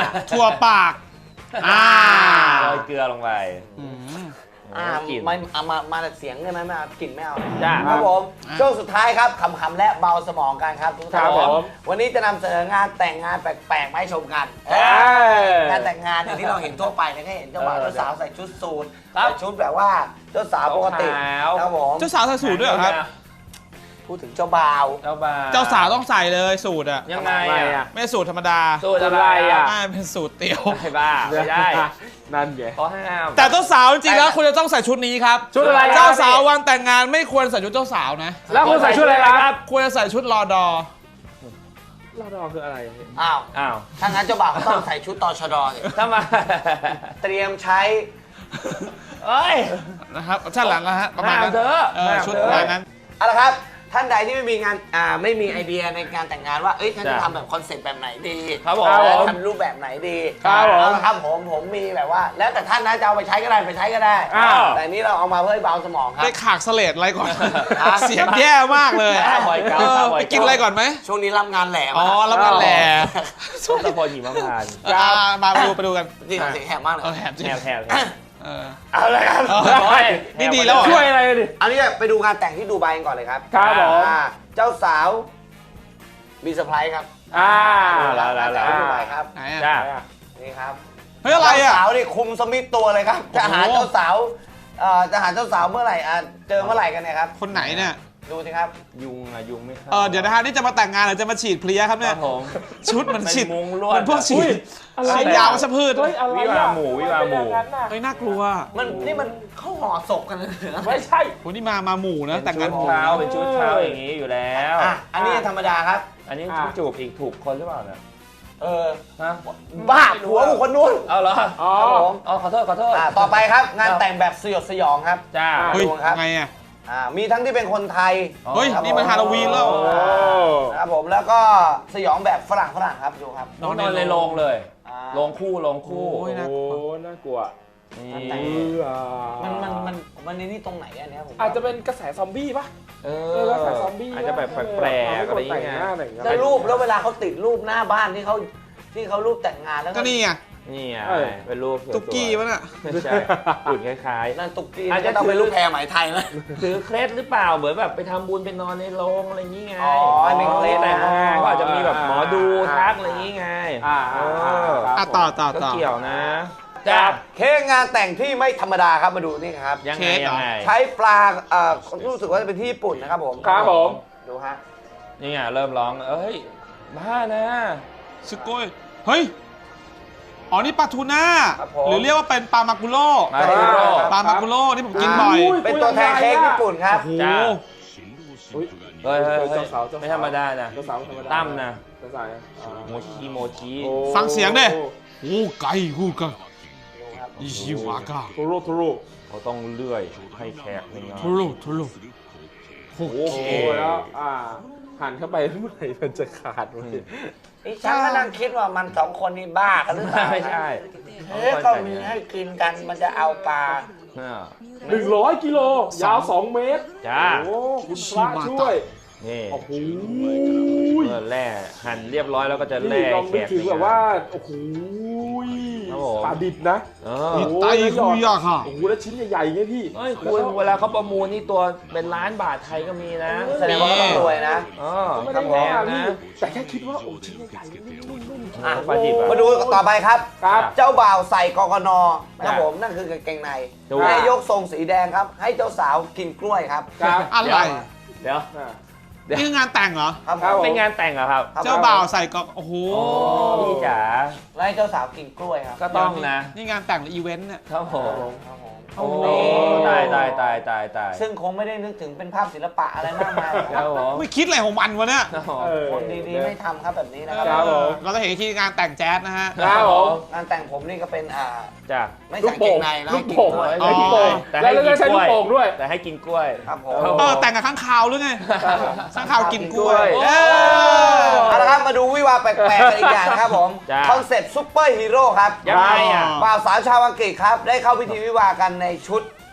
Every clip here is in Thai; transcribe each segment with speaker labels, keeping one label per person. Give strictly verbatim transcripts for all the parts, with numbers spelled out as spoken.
Speaker 1: ถั่วปากอ่า
Speaker 2: โรยเกลือลงไป
Speaker 3: อ่าไม่เอามามาแต่เสียงได้ไหมไม่เอากลิ่นไม่เอา
Speaker 2: จ้า
Speaker 3: ครับผมช่วงสุดท้ายครับขำๆและเบาสมองกันครับทุกท่านผมวันนี้จะนำเสนองานแต่งงานแปลกๆมาให้ชมกันงานแต่งงานอย่างที่เราเห็นทั่วไปเนี่ยก็เห็นเจ้าบ่าวเจ้าสาวใส่ชุดสูทใส่ชุดแบบว่าเจ้าสาวปกติครับผม
Speaker 1: เจ้าสาวใส่สูทด้วยเหรอครับ
Speaker 3: พูดถึงเจ้าบ่าว
Speaker 2: เจ้าบ่าว
Speaker 1: เจ้าสาวต้องใส่เลยสูทอะ
Speaker 2: ยังไงอ่ะ
Speaker 1: ไม่ใช่สูทธรรมดา
Speaker 2: สูตรอะไรอ่ะ
Speaker 1: อ่าเป็นสูทเตี๋ยว
Speaker 2: ไม่บ้าไม่ได้
Speaker 4: นั่นไง
Speaker 2: เขาห้าม
Speaker 1: แต่เจ้าสาวจริงๆแล้วคุณจะต้องใส่ชุดนี้ครับ
Speaker 4: ชุดอะไร
Speaker 1: เจ้าสาววันแต่งงานไม่ควรใส่ชุดเจ้าสาวนะ
Speaker 4: แล้วคุณใส่ชุดอะไรครับ
Speaker 1: ควรจะใส่ชุดรอดอ
Speaker 4: รอดอคืออะไร
Speaker 3: อ้าว
Speaker 2: อ้าว
Speaker 3: ถ้างั้นเจ้าบ่าวก็ต้องใส่ชุดตชดสิ
Speaker 2: ทำไม
Speaker 3: เตรียมใช้
Speaker 2: เอ้ย
Speaker 1: นะครับใช่หลังนะฮะประมาณนั้น
Speaker 2: ห้ามเถอะ
Speaker 1: เออ
Speaker 2: ห้าม
Speaker 1: ชุด
Speaker 2: เถอะ
Speaker 1: ประมาณนั้น
Speaker 3: เอาละครับท่านใดที่ไม่มีงานอ่าไม่มีไอเดียในการแต่งงานว่าเอ้ยท่านจะ
Speaker 2: จ้ะ
Speaker 3: ทำแบบคอนเซ็ปต์แบบไหนดี
Speaker 2: ครับผม
Speaker 3: ทำรูปแบบไหนดี
Speaker 4: ครับผม
Speaker 3: เอาละครับผมผมมีแบบว่า แล้วแต่ท่านนะจะเอาไปใช้ก็ได้ไปใช้ก็ได้
Speaker 4: อ้าว
Speaker 3: แต่นี้เราเอามาเพื่อให้เบาสมองครับ
Speaker 1: ได้ขากเสลดอะไรก่อน
Speaker 3: ฮะ
Speaker 1: เสียงแย่มากเลย
Speaker 2: ข้าวบอยเกา
Speaker 1: เออ
Speaker 2: ข้าวบอย
Speaker 1: ไป
Speaker 2: เา
Speaker 1: กินอะไรก่อนไหม
Speaker 3: ช่วงนี้รับงานแหลม
Speaker 1: อ๋อรับงานแหล่
Speaker 2: ส้มตะโพนหิมพานต์
Speaker 1: อ่ามาไปดูไปดูกัน
Speaker 3: นี่เสียงแหบมากเลย
Speaker 1: เออแหบจริง
Speaker 2: แถวแถว
Speaker 1: เออ
Speaker 3: เอาเลยครับ
Speaker 1: เออนี่ดีแล้วเหรอ
Speaker 4: ช่วยอะไรดิ
Speaker 3: อันนี้ไปดูงานแต่งที่ดูไบกันก่อนเลยครับ
Speaker 4: ครับผม
Speaker 3: อ่าเจ้าสาวมีเซอร์ไพรส์ครับ
Speaker 4: อ่า
Speaker 2: แล้วแล้วแล้ว
Speaker 3: งานต่งที่ดูไบครับ
Speaker 1: ไหน
Speaker 2: จ้า
Speaker 1: อ่ะ
Speaker 3: นี่ครับ
Speaker 1: เฮ้ยอะไรอ่ะ
Speaker 3: เจ้าสาวนี่คุมสมิธตัวเลยครับ จะหา
Speaker 1: โอ้โห
Speaker 3: เจ้าสาวเอ่อจะหาเจ้าสาวเมื่อไหร่อ่ะเจอเมื่อไหร่กันเนี่ยครับ
Speaker 1: คนไหนเนี่ย
Speaker 3: ดูสิครับ
Speaker 2: ยุงอะยุงไม่เข้า
Speaker 1: เออเดี๋ยวนะฮะนี่จะมาแต่งงานหรือจะมาฉีดเพลียครับ
Speaker 2: ค
Speaker 1: เนี่
Speaker 2: รั
Speaker 1: ย
Speaker 2: บผม
Speaker 1: ชุดเหมันฉีด
Speaker 2: เป็นมุงลวด
Speaker 1: มันพวกฉีด
Speaker 4: อะไร
Speaker 1: ฉีดยาวัชพืช
Speaker 4: เฮ้ยอะไร
Speaker 2: วิวาหมู่วิวาหมู่
Speaker 1: เฮ้ยน่ากลัว
Speaker 3: มันนี่มันเข้าห่อศพกันเลยนะ
Speaker 4: ไม่ใช่
Speaker 1: โหนี่มามาหมู่นะแต่งงานหมู่
Speaker 2: เช้าเป็นชุดเช้าอย่างนี้อยู่แล้ว
Speaker 3: อ่ะอันนี้ธรรมดาครับ
Speaker 2: อันนี้จูบอีกถูกคนหรือเปล่าเนี่ย
Speaker 3: เออ
Speaker 2: ฮะ
Speaker 3: บ้าผัวของคนนู้น
Speaker 2: เอาเหรอ
Speaker 4: อ๋อ
Speaker 3: ครับผม
Speaker 2: อ๋อขอโทษขอโทษ
Speaker 3: อ่ะต่อไปครับงานแต่งแบบสยดสยองครับ
Speaker 2: จ้า
Speaker 1: เฮ้ย
Speaker 3: ดูครับ
Speaker 1: ไงอ่ะ
Speaker 3: อ่ามีทั้งที่เป็นคนไทย
Speaker 2: อ๋อ
Speaker 1: เฮ้ย
Speaker 3: ครับ
Speaker 1: นี่มันฮาโลวีนแล้ว
Speaker 2: โอ้
Speaker 3: นะครับผมแล้วก็สยองแบบฝรั่งฝรั่งครับดูครับ
Speaker 2: นอนในโรงเลย
Speaker 3: อ่า
Speaker 2: โรงคู่โรงคู่
Speaker 1: โอ้ยน่า
Speaker 4: โอ้น่ากลัว
Speaker 2: นี่
Speaker 3: มันมันมันมันในนี่ตรงไหนอันเนี้ยผม
Speaker 4: อาจจะเป็นกระแสซอมบี้ปะ
Speaker 2: เอ
Speaker 4: เอ
Speaker 2: อ
Speaker 4: อกระแสซอมบี้
Speaker 2: อาจจะแบบแปลกๆอะไรอย่าง
Speaker 4: แต่ง
Speaker 2: เงี้ย
Speaker 4: หน้าแต่งหน้า
Speaker 3: แล้วรูปแล้วเวลาเขาติดรูปหน้าบ้านที่เขาที่เขารูปแต่งงานแล้ว
Speaker 1: ก็นี่ไง
Speaker 2: นี่ไง
Speaker 4: เออ
Speaker 2: เป็นรูปสวยๆ
Speaker 1: ตุ๊กกี้วะน่ะ
Speaker 2: ไม่ใช่หุ่นคล้าย
Speaker 3: นั่นตุ๊กกี้
Speaker 2: อาจจะ
Speaker 3: ต้องเป็นรูปแพรไหมไทยนะ
Speaker 2: ๆถือเคล็ดหรือเปล่าเหมือนแบบไปทำบุญไปนอนในโรงอะไรอย่างงี้ไง
Speaker 3: อ๋อเป็นเคล็ด
Speaker 2: แต่
Speaker 3: นะ
Speaker 2: งงานก็อาจจะมีแบบหมอดูทักอะไรอย่างงี้ไง
Speaker 4: อ่า
Speaker 2: เอ
Speaker 4: อ่า
Speaker 2: อ
Speaker 1: อ่ะต่อต่อ
Speaker 2: ก็
Speaker 1: ต่อ
Speaker 2: เกี่ยวนะ
Speaker 3: จ้า
Speaker 2: จ้า
Speaker 3: เค้กงานแต่งที่ไม่ธรรมดาครับมาดูนี่ครับ
Speaker 2: ยังไง
Speaker 1: เค้กเหรอ
Speaker 2: ยังไง
Speaker 3: ใช้ปลาเอ่อรู้สึกว่าจะเป็นที่ญี่ปุ่นนะครับผม
Speaker 4: ครับผม
Speaker 3: ดูฮะ
Speaker 2: นี่ไงเริ่มร้องเอ้ยบ้านะ
Speaker 1: ซึโกยเฮ้ยอ๋อนี่ปลาทูน่า
Speaker 3: ครับผม
Speaker 1: หรือเรียกว่าเป็นปลามากุโร่
Speaker 2: มาริโร่
Speaker 1: ปลามากุโร่ที่ผมกินบ่อย
Speaker 3: เป็นตัวแทนเค้กญี่ปุ่นครับ
Speaker 1: โอ้โห
Speaker 2: จ้า
Speaker 4: อุ๊ย
Speaker 2: เฮ้ยเฮ้ยเฮ้ย
Speaker 4: เจ้าสาวเจ้าสาว
Speaker 2: ไม่ธรรมดานะ
Speaker 4: เจ้าสาวธรรมดา
Speaker 2: ตั้มนะ
Speaker 4: เจ้าสาวอ่า
Speaker 2: โมชิโมชิ
Speaker 4: โอ้
Speaker 1: ฟังเสียงดิ โอ้ไก่กูกัน
Speaker 3: ดูครับ
Speaker 1: อิชิวากะ
Speaker 4: ทุรุทุรุ
Speaker 2: เขาต้องเลื่อยให้แขกในงาน
Speaker 1: ทุลุทุลุโอ้โห
Speaker 2: โอเค
Speaker 4: โอ้แล้วอ่าหันเข้าไปเมื่อไหร่มันจะขาดวะเนี่ย
Speaker 3: นี่ฉันก็นั่งคิดว่ามันสองคนนี่บ้ากันหรือเปล่า
Speaker 2: ไม่ใช่
Speaker 3: เอ๊ะก็มีให้กินกันมันจะเอาปลา
Speaker 2: อ่า
Speaker 4: หนึ่งร้อยกิโลยาวสองเมตร
Speaker 2: จ้า
Speaker 4: โอ้คุณพระช่วย
Speaker 2: นี่
Speaker 4: โอ้โห
Speaker 2: เมื่อแร่หั่นเรียบร้อยแล้วก็จะ
Speaker 4: นี่
Speaker 2: แร่
Speaker 4: ลอง
Speaker 2: แข
Speaker 4: นึก
Speaker 2: ก
Speaker 4: ถึง
Speaker 2: ใน
Speaker 4: แบบ
Speaker 2: งน
Speaker 4: ว่าโอ้โห
Speaker 2: ครับผม
Speaker 4: ปลาดิบนะ
Speaker 2: เอ
Speaker 1: อิ
Speaker 2: อ
Speaker 1: ไตคุยะค่ะ
Speaker 4: โอ้โหแล้วชิ้นใหญ่ๆไงพี่
Speaker 2: เฮ้ยคุณเวลาเขาประมูลนี่ตัวเป็นล้านบาทไทยก็มีนะ
Speaker 3: แสดงว่าเขาต้องรวยนะ
Speaker 2: เออ
Speaker 4: ไม่
Speaker 2: ค
Speaker 4: ได้
Speaker 2: รับ
Speaker 4: แย่
Speaker 2: ผม
Speaker 4: พี่
Speaker 2: นะ
Speaker 4: แต่แค่คิดว่าโอ้ชิ้นใหญ่ๆนุ่มๆ
Speaker 3: อ่ะ
Speaker 2: ปลาดิบอะ
Speaker 3: มาดูต่อไปครับ
Speaker 4: ครับ
Speaker 3: เจ้าบ่าวใส่กกนนะครับผมนั่นคือกางเกงใน
Speaker 2: ดู
Speaker 3: ให้ยกทรงสีแดงครับ ให้เจ้าสาวกินกล้วยครับ
Speaker 4: ครับ
Speaker 1: อะไร
Speaker 2: เดี๋ยว
Speaker 4: อ่า
Speaker 2: เดี๋ยว
Speaker 1: นี่คืองานแต่งเหรอ
Speaker 3: ครับ
Speaker 4: ครับ
Speaker 3: ผม
Speaker 2: เป็นงานแต่งเหรอครับ
Speaker 3: ครับ
Speaker 1: เจ้าบ่าวใส่กอกโอ้โห
Speaker 2: โอ้พี่จ๋า
Speaker 3: แล้วให้เจ้าสาวกินกล้วยครับ
Speaker 2: ก็ต้องนะ
Speaker 1: นี่งานแต่งหรืออีเวนต์เนี่ย
Speaker 2: ครับผม
Speaker 3: ครับผม
Speaker 2: โอ้ตายตายตายตายตาย
Speaker 3: ซึ่งคงไม่ได้นึกถึงเป็นภาพศิลปะอะไรมากมายหรอก
Speaker 2: ค
Speaker 3: ค
Speaker 2: รั
Speaker 3: รั
Speaker 2: บบ ผม
Speaker 1: ไม่คิดอะไรของมันวะเนี่ย
Speaker 2: ครับผม
Speaker 4: เออ
Speaker 3: คนดีๆไม่ทำครับแบบนี้นะครับ
Speaker 4: ครับผม
Speaker 1: เราจะเห็นที่งานแต่งแจ๊สนะฮะ
Speaker 4: ครับผม
Speaker 3: งานแต่งผมนี่ก็เป็นอ่า
Speaker 2: จ้ะ
Speaker 3: ไม่
Speaker 4: ลู
Speaker 3: ใส่
Speaker 4: ก
Speaker 3: เก
Speaker 4: โป่
Speaker 3: ง
Speaker 4: ง
Speaker 3: ในแล้ว
Speaker 4: ลู
Speaker 3: ให้
Speaker 4: ก
Speaker 3: กิน
Speaker 4: โป่ง
Speaker 3: กล้วย
Speaker 4: แล้วลูกโป่ง
Speaker 2: แต่
Speaker 4: แล้ว
Speaker 2: ให้
Speaker 4: แล้ว
Speaker 2: กิน
Speaker 4: ใช้
Speaker 2: ก
Speaker 4: ลู
Speaker 2: ล้
Speaker 4: ก
Speaker 2: วย
Speaker 4: โป่งด้วย
Speaker 2: แต่ให้กินกล้วย
Speaker 3: ครับผม
Speaker 1: เออแต่งกับข้างคาวหรือไงข้างคาวกินกล้วย
Speaker 2: กินกล้วย
Speaker 1: เออ
Speaker 3: เอาละครับมาดูวิวาห์แปลกๆกันอีกอย่างนะครับผม
Speaker 2: จ้ะ
Speaker 3: คอนเซ็ปต์ซุปเปอร์ฮีโร่ครับ
Speaker 2: ยังไงอ่ะ
Speaker 3: บ่าวสาวชาวอังกฤษครับได้เข้าพิธีวิวาห์กันในชุด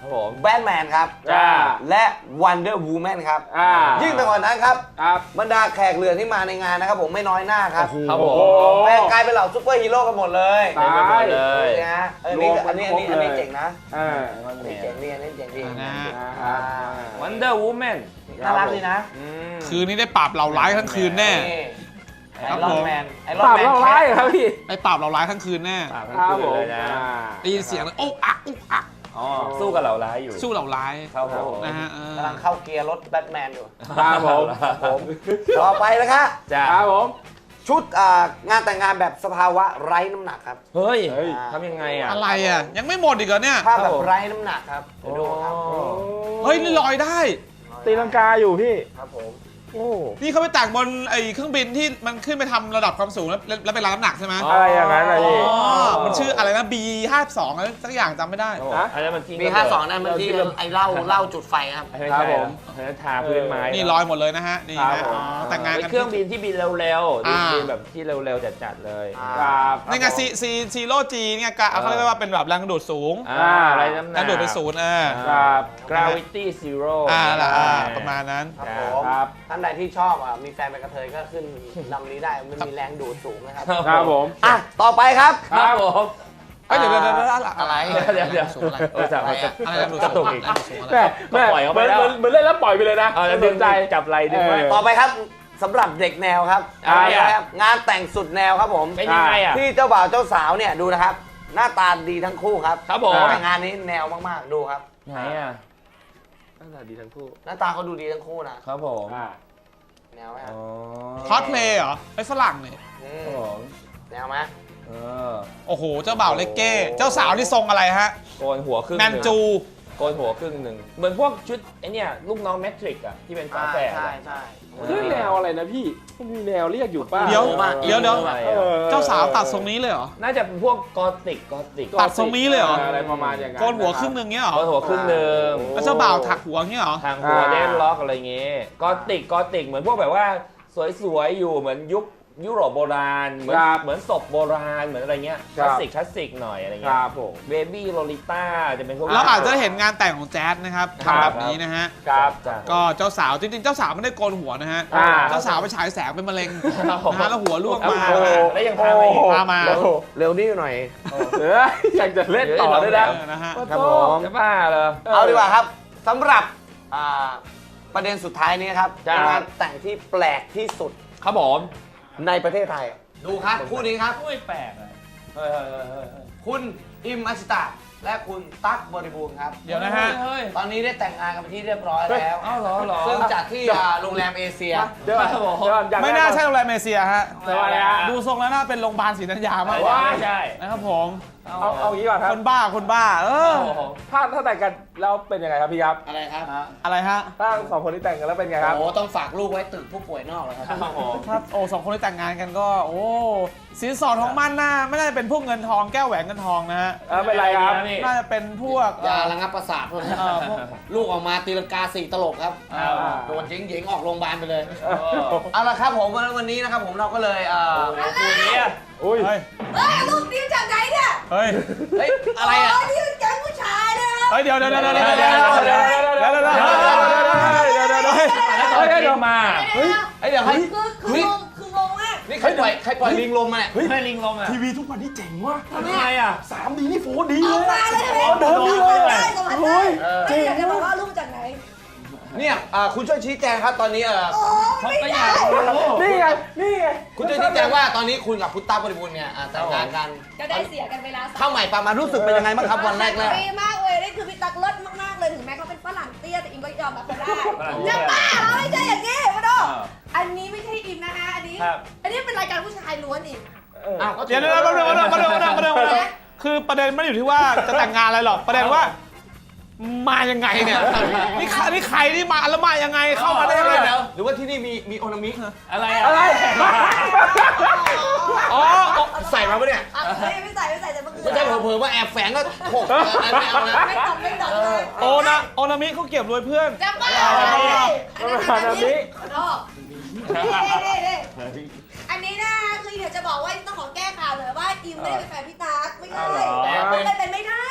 Speaker 2: ครับผม
Speaker 3: แบทแมนครับ
Speaker 4: จ้า
Speaker 3: และ Wonder Woman ครับ
Speaker 4: อ่า
Speaker 3: ยิ่งไปกว่านั้นครับ
Speaker 4: ครับ
Speaker 3: บรรดาแขกเรือที่มาในงานนะครับผมไม่น้อยหน้าครับ
Speaker 2: ครับผม
Speaker 4: โอ้
Speaker 3: แปลงกลายเป็นเหล่าซุปเปอร์ฮีโร่กันหมดเลย
Speaker 4: ตาย
Speaker 2: เต็มไปหมดเลย
Speaker 3: นี่นะเออนี่อันนี้อันนี้อันนี้เจ๋งนะ
Speaker 4: อ่า
Speaker 3: อันนี้เจ๋งดีอันนี้เจ๋งดี
Speaker 1: นะฮะ
Speaker 3: อ่า
Speaker 2: Wonder Woman
Speaker 3: น่ารักดีนะ
Speaker 2: อืม
Speaker 1: คืนนี้ได้ปราบเหล่าร้ายทั้งคืนแน่
Speaker 3: นี่ไอ
Speaker 1: ครับ
Speaker 3: รอ
Speaker 1: ผ
Speaker 3: น
Speaker 1: ม
Speaker 3: แมนไอร
Speaker 4: ป
Speaker 3: อน
Speaker 4: ราบ
Speaker 3: แมน
Speaker 4: เราร้ายเหรอครับพี่
Speaker 1: ได้ปราบเหล่าร้ายทั้งคืนแน่
Speaker 2: ปราบทั้ง
Speaker 4: ครับ
Speaker 2: คื
Speaker 4: ผ
Speaker 2: น
Speaker 4: ม
Speaker 2: เลยนะ
Speaker 4: อ่า
Speaker 1: ได้ยินเสียงเลยโอ้อักอุ๊กอัก
Speaker 2: อ๋อสู้กับเหล่าร้ายอยู่
Speaker 1: สู้เหล่าร้าย
Speaker 2: ครับผม
Speaker 1: นะฮะเออก
Speaker 3: ำลังเข้าเกียร์รถแบทแมนอยู่
Speaker 4: ครับผม
Speaker 3: ผมต่อไปนะครับ
Speaker 2: จ้า
Speaker 4: ครับผม
Speaker 3: ชุดอ่างานแต่งงานแบบสภาวะไร้น้ำหนักครับ
Speaker 2: เฮ้ย
Speaker 4: เฮ้ย
Speaker 2: ทำยังไงอ่ะ
Speaker 1: อะไรอ่ะ ยังไม่หมดอีกเหรอเนี่ย
Speaker 3: ภาพแบ
Speaker 2: ครับ
Speaker 3: บ
Speaker 2: ผม
Speaker 3: ไร้น้ำหนักครับเดี๋ยวดูครับ
Speaker 1: เฮ้ย นี่ลอยได้
Speaker 4: ตีลังกาอยู่พี่
Speaker 3: ครับผม
Speaker 4: โอ้
Speaker 1: นี่เขาไปแต่งบนไอ้เครื่องบินที่มันขึ้นไปทำระดับความสูงแล้วแล้วเป็นรับน้ำหนักใช่ไหม
Speaker 2: อ๋
Speaker 4: อะไรอย่างนั้นอะ
Speaker 1: อ๋
Speaker 4: พี่
Speaker 1: อ มันชื่ออะไรนะ บี ห้าสิบสอง อะไรสักอย่างจำไม่ได้
Speaker 2: ครับผม
Speaker 4: ฮะ
Speaker 2: อันนั้นมันทิ้ง
Speaker 3: มีห้าสองนั่นมันที่ไอ้เหล้าเหล้าจุดไฟครับ
Speaker 2: ไม่
Speaker 4: ครั
Speaker 2: ใช่
Speaker 4: บผม
Speaker 2: อันนั้นทาพื้นไม้
Speaker 1: นี่ลอยหมดเลยนะฮะ นี่
Speaker 4: ครั
Speaker 1: ฮะ
Speaker 4: บผม
Speaker 1: อ๋อแต่งงาน
Speaker 2: เป็
Speaker 1: กัน
Speaker 2: นเครื่องบินที่บินเร็วๆ
Speaker 1: อ่า
Speaker 2: บินแบบที่เร็วๆจัดๆเลย
Speaker 4: ครับ
Speaker 1: นี่ไงซีซีซีโร่จีเนี่ยกะเขาเรียกว่าเป็นแบบแรงดูดสูง
Speaker 2: อ่าอะไรน้ำหนั
Speaker 1: แร
Speaker 2: ก
Speaker 1: งดูดเป็นศูนย์เออ
Speaker 4: ครับ
Speaker 2: Gravity Zero
Speaker 1: อ่าล่ะอ่าประมาณนั้น
Speaker 3: ครับ
Speaker 2: ค
Speaker 3: ผ
Speaker 2: รับ
Speaker 3: ม
Speaker 4: ครับ
Speaker 3: ท่านใดที่ชอบอ่ะมีแฟนเป็นกระเทยก็ขึ้นลำนี้ได้มันมีแรงดูดสูงนะครับ
Speaker 4: ครับผม
Speaker 3: อ่ะต่อไปครับ
Speaker 2: ครับผม
Speaker 1: เอ้ยเดี๋ยวเดี๋ยวเดี๋ยวเดี๋ยว
Speaker 3: อะไร
Speaker 2: เดี๋ยวเดี๋ยว
Speaker 1: สูงอะไร
Speaker 2: เออจับมาจะ
Speaker 1: อะไรแรงดูด
Speaker 2: กระ
Speaker 1: สู
Speaker 2: ตุ
Speaker 1: ง
Speaker 2: กอีก
Speaker 1: แรงดูดสูงอะไร
Speaker 4: แม่แม่
Speaker 2: ปล่อยเขา
Speaker 4: เห
Speaker 2: ไป
Speaker 4: มือน
Speaker 2: แล้ว
Speaker 4: เหมือนเหมือนเล่นแล้วปล่อยไปเลยนะ
Speaker 2: เอาแล้วดึงใจจับไหลดึงไว้
Speaker 4: เออ
Speaker 3: ต่อไปครับสำหรับเด็กแนวครับ
Speaker 2: อะไรอ่ะ
Speaker 3: ครับงานแต่งสุดแนวครับผม
Speaker 2: เป็นยังไงอ่ะ
Speaker 3: ที่เจ้าบ่าวเจ้าสาวเนี่ยดูนะครับ หน้าตาดีทั้งคู่ครับ
Speaker 2: ครับผม
Speaker 3: แต่งานนี้แนวมากๆดูครับ
Speaker 2: ไหนอ่ะ
Speaker 4: น่าจะดีทั้งคู่
Speaker 3: หน้าตาเขาดูดีทั้งคู่นะครับ
Speaker 2: ผม
Speaker 4: อ่า
Speaker 3: แนวไหมค
Speaker 2: อ๋
Speaker 3: รับ
Speaker 2: อ
Speaker 1: คอสเพลย์เหรอไอ้ฝรั่งเนี่ย
Speaker 3: อื
Speaker 2: ครับ
Speaker 3: ม
Speaker 2: ผม
Speaker 3: แนวไหม
Speaker 2: เออ
Speaker 1: โอ้โห เจ้าบ่าวเลกเก้ เจ้าสาวที่ทรงอะไรฮะ
Speaker 2: โกนหัวครึ่ง
Speaker 1: แมนจู
Speaker 2: โกนหัวครึ่งหนึ่งเหมือนพวกชุดไอเนี่ยลูกน้องแมทริกอะที่เป็นฝา
Speaker 3: ใช่
Speaker 2: แฝด
Speaker 3: ใช่
Speaker 2: อะ
Speaker 3: ใช่
Speaker 4: เรื่องแนวอะไรนะพี่มันมีแนวเรียกอยู่ป้า
Speaker 1: เดี๋ยว เดี๋ยวเดี๋ยว
Speaker 2: อะไร
Speaker 4: เอ
Speaker 2: อะ
Speaker 4: อ
Speaker 1: เจ้าสาวตัดทรงนี้เลยเหรอ
Speaker 2: น่าจะเป็นพวกกอติกกอติก
Speaker 1: ตัดทรงนี้เลยเหรอ
Speaker 4: อะไรประมาณอย่างนั้น
Speaker 1: โกนหัวครึ่งหนึ่งเงี้ยเหรอ
Speaker 2: โกนหัวครึ่งหนึ่ง
Speaker 1: แล้วเจ้าบ่าวถักหัวเงี้ยเหรอ
Speaker 2: ทางหัวเดนล็อกอะไรเงี้ยกอติกกอติกเหมือนพวกแบบว่าสวยๆอยู่เหมือนยุคยุโรปโบราณเหมือนเหมือนศพโบราณเหมือนอะไรเงี้ยคลาสสิกคลาสสิกหน่อยอะไร
Speaker 4: ค
Speaker 2: เงี้ย
Speaker 4: รับผม
Speaker 2: เบบี้โลลิต้าจะเป็นพวก
Speaker 1: เราอาจจะเห็นงานแต่งของแจ๊สนะครับ
Speaker 4: ครับ
Speaker 1: ทำแบบนี้นะฮะ
Speaker 4: ครับ
Speaker 2: จ้ะ
Speaker 1: ก็เจ้าสาวจริงๆ เจ้าสาวไม่ได้โกนหัวนะฮะ
Speaker 4: อ่า
Speaker 1: เจ้าสาวไปฉายแสงเป็นมะเร็ง
Speaker 2: ครับผม
Speaker 1: นะฮะแล้วหัวล่วงมา
Speaker 2: โอ้โหแล้วยังพามาอีก
Speaker 1: พามา
Speaker 4: โอ้โห
Speaker 3: เร็วนี่หน่อย
Speaker 4: เอออยากจะเล่นต่อด้วยนะ
Speaker 1: เออนะฮะ
Speaker 3: ครับผม
Speaker 2: จะบ้าเหรอ
Speaker 3: เอาดีกว่าครับสำหรับอ่าประเด็นสุดท้ายนี้ครับ
Speaker 2: จ้ะ
Speaker 3: เป็นงานแต่งที่แปลกที่สุด
Speaker 2: ครับผม
Speaker 3: ในประเทศไทย ดูครับคู่นี้ครับ
Speaker 2: ไม่แปลกเลยเฮ้ยเฮ้ยเฮ้ยเฮ้ยเฮ้ย
Speaker 3: คุณอิมอัชตะและคุณตั๊กบริบูรณ์ครับ
Speaker 1: เดี๋ยวนะฮะ
Speaker 2: เฮ้ย
Speaker 3: ตอนนี้ได้แต่งงานกันเป็นที่เรียบร้อยแล้ว
Speaker 2: เอ้าเหรอเหรอ
Speaker 3: ซึ่งจัดที่อ่าโรงแรมเอเชีย
Speaker 4: เดี๋ยวก่อน
Speaker 2: ครับผม
Speaker 4: เดี๋ยวก่อนอยก
Speaker 1: ไม่น่าใช่โรงแรมเอเชียฮะ
Speaker 4: ทำไมฮะ
Speaker 1: ดูทรงแล้วน่าเป็นโรงพยาบาลศรีธัญญามากก
Speaker 2: ไม่
Speaker 1: ว่า
Speaker 2: ใช่
Speaker 1: นะครับผม
Speaker 4: เอาเอางี้ก่อนครั
Speaker 1: ค
Speaker 4: บ
Speaker 1: นบ้า คนบ้า เออ
Speaker 2: โอ้โห
Speaker 4: ถ้าถ้าแต่งกันแล้วเป็นยังไงครับพี่ครับ
Speaker 3: อะไรครับ
Speaker 1: อะไรฮะ
Speaker 4: ถ้าสองคนที่แต่งกันแล้วเป็นไงครับ
Speaker 3: โอ้ต้องฝากลูกไว้ตึกผู้ป่วยนอกเลยครับ
Speaker 1: ถ้าโอ้สองคนที่แต่งงานกันก็ โอ้สินสอดของมันน่าไม่น่าจะเป็นพวกเงินทองแก้วแหวนเงินทองนะฮะ
Speaker 4: เออเป็นไรครับ
Speaker 2: นี่
Speaker 1: น่าจะเป็นพวก
Speaker 3: ยาระงับประสาทพวกนี้
Speaker 1: เอ่อพวก
Speaker 3: ลูกออกมาตีลังกาสี่ตลบครับ
Speaker 2: อ่า
Speaker 3: โดนหญิงๆออกโรงพยาบาลไปเลย เอาละครับผมวันนี้นะครับผมเราก็เลยเอ่อ
Speaker 2: คู่นี้
Speaker 4: อุ้ย
Speaker 1: เฮ้ย
Speaker 5: เฮ้ยลูกดิวจากไหนเนี่ย
Speaker 1: เฮ้ย
Speaker 3: เฮ้ยอะไรอ่ะ
Speaker 5: โนี่เป็นแก๊งผู้ชายนะครับ
Speaker 1: เฮ้ย เดี๋ยวเดี๋ยวเดี๋ยวเดี๋ยวเดี๋ยวเดี๋ยวเดี๋ยวเดี๋ยวเดี๋ยวเดี๋ยวเดี๋ยวเดี๋ยวเดี๋ยวเดี๋ยวเดี๋ยวเดี๋ยว
Speaker 2: เฮ้ยเดี๋ยวมา
Speaker 3: เฮ้ยเดี๋ยวให้
Speaker 5: คือคืองงคืองงมาก
Speaker 3: นี่ใครปล่อยใครปล่อยลิงลมมาเนี่ย
Speaker 2: เฮ้ยลิงลมอ่ะ
Speaker 4: ทีวีทุกวันนี้เจ๋งว่ะ
Speaker 2: ทำไมอ่ะ
Speaker 4: สามดีนี่โฟร์ดี
Speaker 5: อ
Speaker 4: เล
Speaker 5: อก
Speaker 4: ย
Speaker 5: มาเลย
Speaker 4: อ๋อเดินนี่เลย
Speaker 5: ได้สมัครได้
Speaker 3: เออ
Speaker 5: ไม่อยากจะบอกว่าลูกจากไหน
Speaker 3: เนี่ยอ่าคุณช่วยชี้แจงครับตอนนี้เออ
Speaker 5: โอ้ไม่ได้
Speaker 4: นี่ไง นี่ไง
Speaker 3: คุณช่วยชี้แจงว่าตอนนี้คุณกับพุทธาบริบูรณ์เนี่ยอ่าแต่งงานกัน
Speaker 5: ก็ได้เสียกันเวลา
Speaker 3: เข้าใหม่ปามารู้สึกเป็นยังไงบ้างครับวันแรกแรก
Speaker 5: ดีมากเลยนี่คือพี่ตักเลิศมากๆเลยถึงแม้เขาเป็นฝรั่งเตี้ยแต่อิมก็ยอมรับเขาได้จะบ้าเหรอไม่ใช่อย่างนี้มาดูอันนี้ไม่ใช่อิมนะคะอันนี้
Speaker 2: ครับ
Speaker 5: อันนี้เป็นรายการผู้ชายล้วนอีก
Speaker 3: อ้าวก็
Speaker 1: เดี๋ยวเดี๋ยวเดี๋ยวเดี๋ยวเดี๋ยวเดี๋ยวเดี๋ยวเดี๋ยวเดี๋ยวคือประเด็นไม่ได้อยู่ที่ว่าจะแต่งงานอะไรหรอก ประเด็นว่ามายังไงเนี่ย นี่ใครนี่ใครนี่มาแล้วมายังไง เข้ามาได้ยังไง
Speaker 3: เดี๋
Speaker 1: เนี่ย
Speaker 3: ยวหรือว่าที่นี่มีมีโอนามิ
Speaker 2: อะไรอ่ะ
Speaker 4: อะไร
Speaker 3: อ๋อใส่มาปะเนี่ย
Speaker 5: อ่ะไม่ไม่ใส่ไม่ใส่แต่เมื่อคืน
Speaker 3: ไม่ใช่เผลอๆว่าแอบแฝงก็หกเออไม่เอานะ
Speaker 5: ไม่ตอบไม่ตอบเลย
Speaker 1: โอนะโอนามิเขาเก็บรวยเพื่อน
Speaker 5: จะบ้าอะไรอันนั้นอันนี้นอกอันนี้นะคือเดี๋ยวจะบอกว่าต้องขอแก้ข่าวเลยว่าอิมไม่ได้เป็นแฟนพี่ตั๊กไม่ได้มันเป็นไม่ได้พี่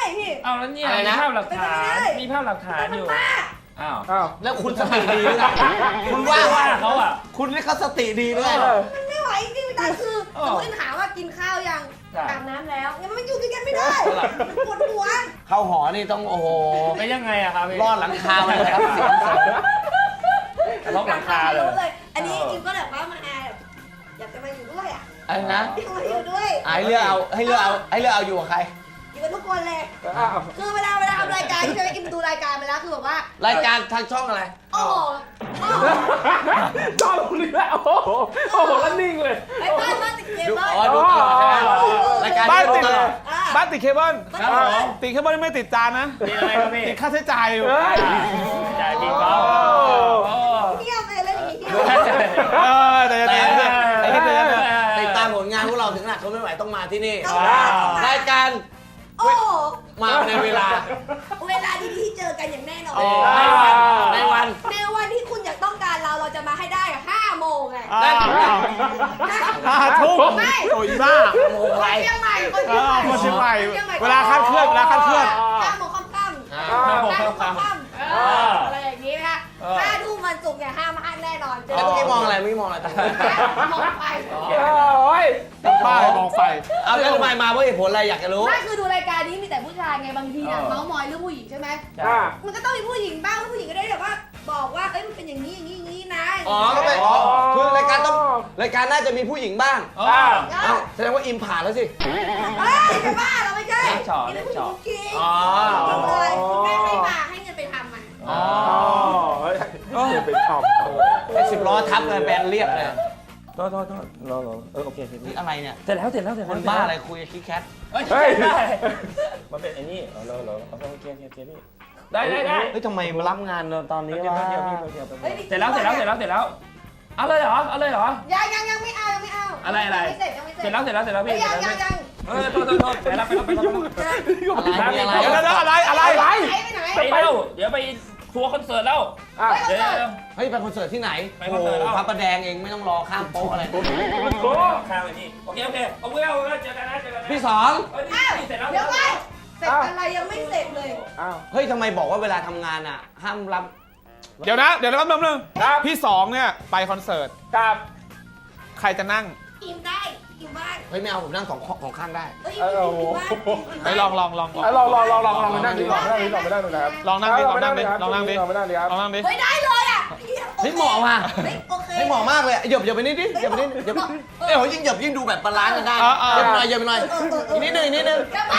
Speaker 2: เอาแล้วเนี่ย
Speaker 3: อะไร
Speaker 2: มี
Speaker 3: นะ
Speaker 2: ภาพหลักฐาน
Speaker 5: ไม่ได้
Speaker 2: มีภาพหลักฐาน
Speaker 5: แต่มั
Speaker 2: อน ยู่
Speaker 5: บ้า
Speaker 2: อ้าว
Speaker 4: อ้าว
Speaker 3: แล้วคุณสติดีหรือไงคุณว่า
Speaker 2: ว่าเขาอ่ะ
Speaker 3: คุณนี่เขาสติดีหรือไง
Speaker 5: มันไม่ไหวจริงๆแต่คือ
Speaker 2: เอ
Speaker 5: ส
Speaker 2: อ
Speaker 5: มมติถามว่ากินข้าวยัง
Speaker 2: ใช่
Speaker 5: อาบน้ำแล้วยังมันอยู่ด้วยกันไม่ได้มันปวดหัว
Speaker 3: เข้าหอนี่ต้องโอ้โห
Speaker 2: แล้วยังไงอะครับพี่
Speaker 3: รอดหลังคาเลยครับเสียงเสริม
Speaker 2: ล็อกหลังคาเลย
Speaker 5: เลย อันนี้
Speaker 2: เออ
Speaker 5: อิมก็แบบว่ามาแอบอยากจะมาอยู่ด้วยอ่ะ
Speaker 3: อะไรนะ
Speaker 5: อยากมาอยู่ด้วย
Speaker 3: ให้เลือกเอาให้เลือกเอาให้เลือกเอาอยู่กับใคร
Speaker 5: อยู่กับทุกคนเลย
Speaker 4: อ้าว
Speaker 5: คือเวลาเวลาทำรายการที่จะไปอิมดูรายการไปแล้วคือแบบว่า
Speaker 3: รายการทางช่องอะไร
Speaker 5: โอ้โหโอ้โห
Speaker 4: ชอบตรงนี้แหละโอ้โหโอ้โหแล้วนิ่งเลย
Speaker 5: ไอ้บ้านบ้านติดเค
Speaker 3: ดู
Speaker 5: เบิล
Speaker 3: อ๋อดูตลอดใช่ไหมรายการ
Speaker 1: บ้าน
Speaker 3: นี้
Speaker 1: ติ
Speaker 3: ดู
Speaker 1: ด
Speaker 3: ตลอด
Speaker 5: อ่า
Speaker 1: บ้านติดเคเบิล
Speaker 5: ครับผม
Speaker 1: ติดเคเบิลไม่ติดจานนะ
Speaker 2: มีอะไรครับพี่
Speaker 1: ติดค่าใช้จ่ายอยู่
Speaker 4: เฮ้ย
Speaker 2: จ่ายบินเขา
Speaker 5: เที่ยวไปเลยอย่างนี้
Speaker 1: เออแต่จะ
Speaker 3: แต่
Speaker 1: ติดเนี่ยไอ้ที่เตือนเนี่ย
Speaker 3: ติดตามผลงานพวกเราถึงขนาดทนไม่ไหวต้องมาที่นี่
Speaker 5: ต้องมาต้องมาร
Speaker 3: ายการ
Speaker 5: โอ้โห
Speaker 3: มาในเวลา
Speaker 5: เวลาดีๆที่เจอกันอย่างแน่นอน
Speaker 3: ในวันในวัน
Speaker 5: ในวันที่คุณอยากต้องการเราเราจะมาให้ได้อะห้าโมงไง
Speaker 1: อ้าวห้าทุ่ม
Speaker 5: ไม่
Speaker 1: โอ้ยบ้า
Speaker 3: โม
Speaker 5: คน
Speaker 3: ไร
Speaker 5: เชียงใหม่คน
Speaker 1: เอ
Speaker 5: เชียงให
Speaker 1: อ
Speaker 5: ม่
Speaker 1: คนเชียงใหม่เวลาคาดเคลื่อนเวลาคาดเคลื่อน
Speaker 5: ห้าโมงค่ำค่ำ
Speaker 3: อ่า
Speaker 5: ห้าโมงค่ำค่ำเอออะไรอย่างนี้นะคะห้าทุ่มวันศุกร์เนี่ยห้ามพลาดแน่นอนเจอ
Speaker 3: แล้วเมื่อกี้มองอะไรเมื่อกี้มองอะไร
Speaker 5: มองไป
Speaker 4: โอ้ย
Speaker 1: ป้ายมองไฟ
Speaker 3: เอาแล้วทำไมมาเพราะเหตุผลอะไรอยากจะรู้
Speaker 5: ไม่คือดูรายการนี้มีแต่ผู้ชายไงบางทีเนี่ยเมาส์มอยเรื่องผู้หญิงใช่ไหม
Speaker 4: อ่า
Speaker 5: มันก็ต้องมีผู้หญิงบ้างแล้วผู้หญิงก็ได้แบบว่า บอกว่าเอ้ยมันเป็นอย่างนี้อย่างนี้อย่างนี้นะ
Speaker 3: อ๋อก็เป็นอ๋อคือรายการต้องรายการน่าจะมีผู้หญิงบ้าง
Speaker 2: อ่า
Speaker 3: เอ้าแสดงว่าอิมผ่านแล้วสิ
Speaker 5: เฮ้ยจะบ้าเราไม่ใช่
Speaker 2: เล็กเจาะ
Speaker 5: นี่
Speaker 2: เล็
Speaker 5: เป็น
Speaker 2: ก
Speaker 5: ผู้หญิง
Speaker 2: เจาะ
Speaker 5: จริง
Speaker 3: อ๋อ
Speaker 5: บอกเลยแม่ให้มาให้เงินไปทำมัน
Speaker 3: อ๋อ
Speaker 4: เฮ้ยเดี๋ยวไปทำ
Speaker 3: ไอ้สิบล้อทับเลยแบนเรียบเลย
Speaker 2: โทษโทษโทษรอรอเออโอเคโอเค
Speaker 3: นี่อะไรเนี่ย
Speaker 2: เสร็จแล้วเสร็จแล้วเสร็จ
Speaker 3: ค
Speaker 2: แล้ว
Speaker 3: นบ้าอะไรคุยกับคิดแคท
Speaker 2: เฮ้ยได้มันเป็นไอ้นี่เออรอรอโอเคโอเคโอเคพี่ได้ได้ได้
Speaker 3: เฮ้ยทำไมมารับงานเราตอนนี้
Speaker 2: เดี๋ยว
Speaker 3: วะ
Speaker 2: เดี๋ยวพี่เดี๋ยวเสร็จแล้วเสร็จแล้วเสร็จแล้วเสร็จแล้วเอาเลยเหรอเอาเลยเหรอ
Speaker 5: ยังยังยังไม่เอายังไม่เอา
Speaker 2: อะไรอะไร
Speaker 5: ยังไม่เสร็จยังไม่เสร็จ
Speaker 2: เสร็จแล้วเสร็จแล้วเสร็จแล้ว
Speaker 5: เฮ้
Speaker 2: พี่
Speaker 5: ยยังยังยัง
Speaker 2: เออโทษโทษโทษไปแล้วไปแล้วไปแล้ว
Speaker 3: อะไรมีอะไร
Speaker 1: เดี๋ยวเดี๋ยวอะไรอะไร
Speaker 5: ไปไปไหน
Speaker 2: ไปแล้วเดี๋ยวไปทัวร์คอนเสิร์ตแล้ว
Speaker 4: อ่ะ
Speaker 2: เดี๋ยวเดี๋ยว
Speaker 3: เฮ้ยไปคอนเสิร์ตที่ไหน
Speaker 2: ไป
Speaker 3: โอ้
Speaker 2: คอน
Speaker 3: โห
Speaker 2: เสิร์ตแล้ว
Speaker 3: พระประแดงเองไม่ต้องรอข้ามโป๊ะอะไร
Speaker 4: โอ้
Speaker 2: ข้ามไปนี่โอเคโอเคเอาเพื่อนเจอกันนะเจอกันนะ
Speaker 3: พี่สอง
Speaker 2: เฮ้ย
Speaker 5: อ้าว
Speaker 2: นี่เสร็จแล้ว
Speaker 5: เดี๋ยวไปเสร็จอะไรยังไม่เสร็จเลย
Speaker 4: อ้าว
Speaker 3: เฮ้ยทำไมบอกว่าเวลาทำงานอ่ะ ห้ามรับ
Speaker 1: เดี๋ยวนะ เดี๋ยวนะแป๊บนึง
Speaker 4: ครับ
Speaker 1: พี่สองเนี่ยไปคอนเสิร์ต
Speaker 4: กับ
Speaker 1: ใครจะนั่ง
Speaker 5: อิ่มได้อิ่มบ้าง
Speaker 3: เฮ้ยไม่เอาผมนั่งสองของข้างได้
Speaker 5: เอ้ยอิ่มอิ่มบ้าง
Speaker 1: ไปลองลองลองลอง
Speaker 4: อ่ะลองลองลองลองลองไปนั่งดิลองไปนั่งดิลองไปนั่งดูนะครับ
Speaker 1: ลองนั่งดิลองนั่งดิลองนั่งดิ
Speaker 4: ลองไปนั่งดิครับ
Speaker 1: ลองนั่งดิ
Speaker 5: เฮ้ยได้เลยอ่ะ
Speaker 3: เฮ้ยเหมาะว่ะ
Speaker 5: เฮ้ยโอเค
Speaker 3: เฮ้ยเหมาะมากเลยเหยบเหยบไปนิดดิเหยบไปนิดเหยบเอ้ยโหยิ่งเหยบยิ่งดูแบบบาลานซ์กันได้เหยบหน่อยเหยบหน่อยอีกนิดนึงอีกนิดนึง
Speaker 5: จะบ้า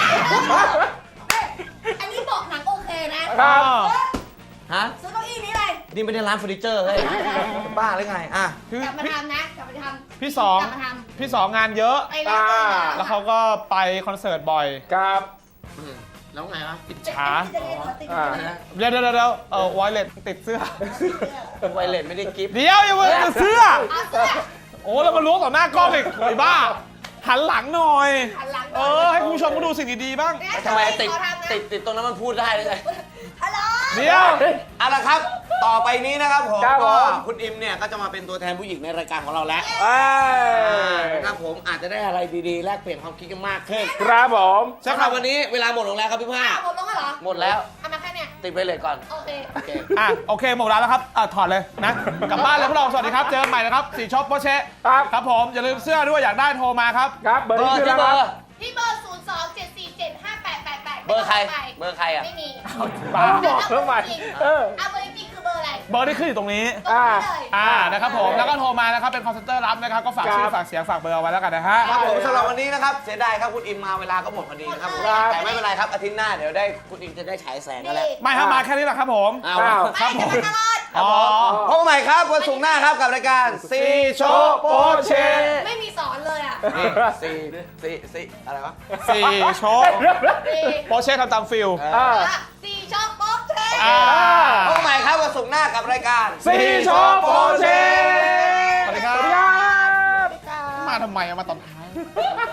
Speaker 5: อันนี้บอกหนังโอเคนะครับ
Speaker 3: ฮะ
Speaker 5: ซื้อเก้าอี้นี้เลย
Speaker 3: นี่ไม่ได้ร้านเฟอร์นิเจอร์เฮ้ยบ้าหรือไงอ่ะ
Speaker 1: คือก
Speaker 5: ลับมา
Speaker 1: พี่
Speaker 5: ทำนะกลับมาทำ
Speaker 1: พี่สอง
Speaker 5: กลับมาท
Speaker 1: พี่สองงานเยอะ
Speaker 5: ำไปแล้วไป
Speaker 1: แล้วเขาก็ไปคอนเสิร์ตบ่อย
Speaker 4: กับ
Speaker 3: แล้วไงวะ
Speaker 1: อิจฉา
Speaker 5: จะเล่นขอติด
Speaker 4: อ่า
Speaker 5: นะ
Speaker 1: เดี๋ยวเดี๋ยวเดี๋ยวเออไวเลสติดเสื้อ
Speaker 3: ไวเลสไม่ได้กิฟต์
Speaker 1: เดี๋ยวอย่ามาติดเสื้อ
Speaker 5: เอาเสื้อ
Speaker 1: โอ้แล้วมาล้วงต่อหน้ากล้องอีกไอ้บ้า หันหลังหน่อย
Speaker 5: หันหลัง
Speaker 1: เออ ให้คุณผู้ชมก็ดูสิ่งดีๆบ้าง
Speaker 3: ทำไมติดติดติดตรงนั้นมันพูดได้เลย
Speaker 5: ฮัลโหล
Speaker 1: เดี๋ยว
Speaker 3: เอาละครับ ต่อไปนี้นะครับผม
Speaker 4: ครับผม
Speaker 3: ก็คุณอิมเนี่ยก็จะมาเป็นตัวแทนผู้หญิงในรายการของเราแล้ว
Speaker 4: เอ้ย
Speaker 3: นะครับผมอาจจะได้อะไรดีๆ แลกเปลี่ยนความคิดกันมากขึ้น
Speaker 4: ครับผม
Speaker 3: สำหรับวันนี้เวลาหมดลงแล้วครับพี่ผ้า
Speaker 5: หมดลงแล้วเหรอ
Speaker 3: หมดแล้ว
Speaker 5: เอามาแค่เนี้ย
Speaker 3: ติดไปเลยก่อน
Speaker 5: โอเค
Speaker 3: โอเค
Speaker 1: อ่ะโอเคหมดเวลาแล้วครับอ่ะถอดเลยนะ กลับบ้านเลยพวกเราสวัสดีครับ เจอกันใหม่นะครับสีช็อปโปเช
Speaker 4: ครับ
Speaker 1: ครับผมอย่าลืมเสื้อด้วยอยากได้โทรมาครับ
Speaker 4: ครับเบอร์
Speaker 3: เบอ
Speaker 4: นี้
Speaker 3: ร์
Speaker 4: คือ
Speaker 3: ที่
Speaker 4: แล้ว
Speaker 3: เบ
Speaker 4: ค
Speaker 3: อ
Speaker 4: รับ
Speaker 3: ร์
Speaker 5: ที่เบอร์ศูนย์สองเจ็ดสี่เจ็ดห้าแปดแปดแปด
Speaker 3: เบอร์ใครเบอร์ใครอ่ะ
Speaker 5: ไม่มี
Speaker 1: บ้า
Speaker 4: บอกทำไมเออ
Speaker 5: เอาเบอร์จริงคือเบอร์อะไร
Speaker 1: เบอร์ที่ขึ้นอยู่ตรงนี้
Speaker 5: ตรงนี้เลย
Speaker 1: อ่านะครับผมแล้วก็โทรมานะครับเป็นคอนเซนเตอร์รับนะครับก็ฝากชื่อฝากเสียงฝากเบอร์เอาไว้แล้วกันนะฮะ
Speaker 3: ครับผมสำหรับวันนี้นะครับเสียดายครับคุณอิมมาเวลาก็หมดพอดีนะครับผม
Speaker 4: ครับ
Speaker 3: แต่ไม่เป็นไรครับอาทิตย์หน้าเดี๋ยวได้คุณอิมจะได้ฉายแสงกันแล้ว
Speaker 1: ไม่ครับมาแค่นี้แหละครับผม
Speaker 3: เอา
Speaker 4: อ้าว
Speaker 3: ครับ
Speaker 5: ไม่จะมาตลอด
Speaker 1: อ๋อ
Speaker 3: พบกันใหม่ครับวันศุกร์หน้าครับกับรายการซีโชว์โปเช
Speaker 5: ไม่มีสอนเลยอ่ะ
Speaker 3: นี่ซีซีซีอะไรวะ
Speaker 1: สี่โชว์
Speaker 5: สี่
Speaker 1: โปเช่ทำตามฟิล
Speaker 4: อ่า
Speaker 5: สี่ช่องโป๊ะเท
Speaker 1: อ่า
Speaker 3: พบกันใหม่ครับวันศุกร์หน้ากับรายการ
Speaker 4: ซีโชว์โปรเช
Speaker 1: สวัสดีครับ
Speaker 4: สวัสดีครับ
Speaker 1: มาทำไมอะมาตอนท้าย